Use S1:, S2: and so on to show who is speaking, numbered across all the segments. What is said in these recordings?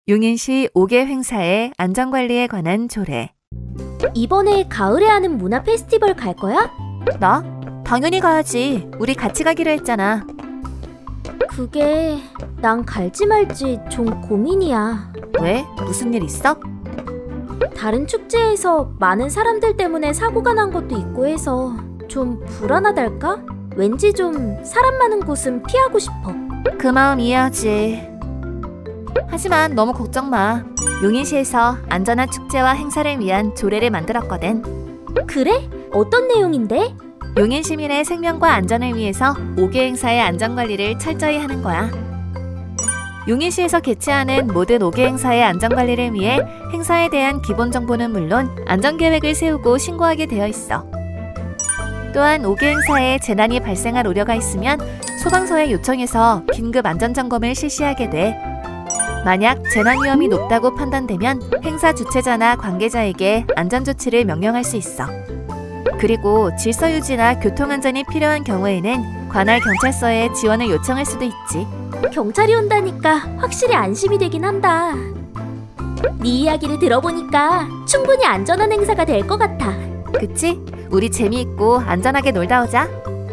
S1: 용인시 5개 행사의 안전관리에 관한 조례.
S2: 이번에 가을에 하는 문화 페스티벌 갈 거야?
S1: 나? 당연히 가야지. 우리 같이 가기로 했잖아.
S2: 그게 난 갈지 말지 좀 고민이야.
S1: 왜? 무슨 일 있어?
S2: 다른 축제에서 많은 사람들 때문에 사고가 난 것도 있고 해서 좀 불안하달까? 왠지 좀 사람 많은 곳은 피하고 싶어.
S1: 그 마음 이해하지. 하지만 너무 걱정 마. 용인시에서 안전한 축제와 행사를 위한 조례를 만들었거든.
S2: 그래? 어떤 내용인데?
S1: 용인 시민의 생명과 안전을 위해서 5개 행사의 안전관리를 철저히 하는 거야. 용인시에서 개최하는 모든 5개 행사의 안전관리를 위해 행사에 대한 기본 정보는 물론 안전계획을 세우고 신고하게 되어 있어. 또한 5개 행사에 재난이 발생할 우려가 있으면 소방서에 요청해서 긴급 안전점검을 실시하게 돼. 만약 재난 위험이 높다고 판단되면 행사 주최자나 관계자에게 안전조치를 명령할 수 있어. 그리고 질서 유지나 교통안전이 필요한 경우에는 관할 경찰서에 지원을 요청할 수도 있지.
S2: 경찰이 온다니까 확실히 안심이 되긴 한다. 네 이야기를 들어보니까 충분히 안전한 행사가 될 것 같아.
S1: 그치? 우리 재미있고 안전하게 놀다 오자.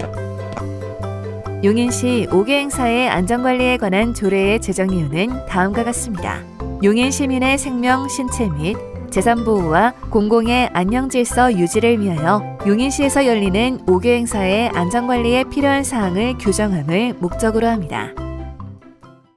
S1: 용인시 5개 행사의 안전관리에 관한 조례의 제정 이유는 다음과 같습니다. 용인 시민의 생명, 신체 및 재산보호와 공공의 안녕질서 유지를 위하여 용인시에서 열리는 5개 행사의 안전관리에 필요한 사항을 규정함을 목적으로 합니다.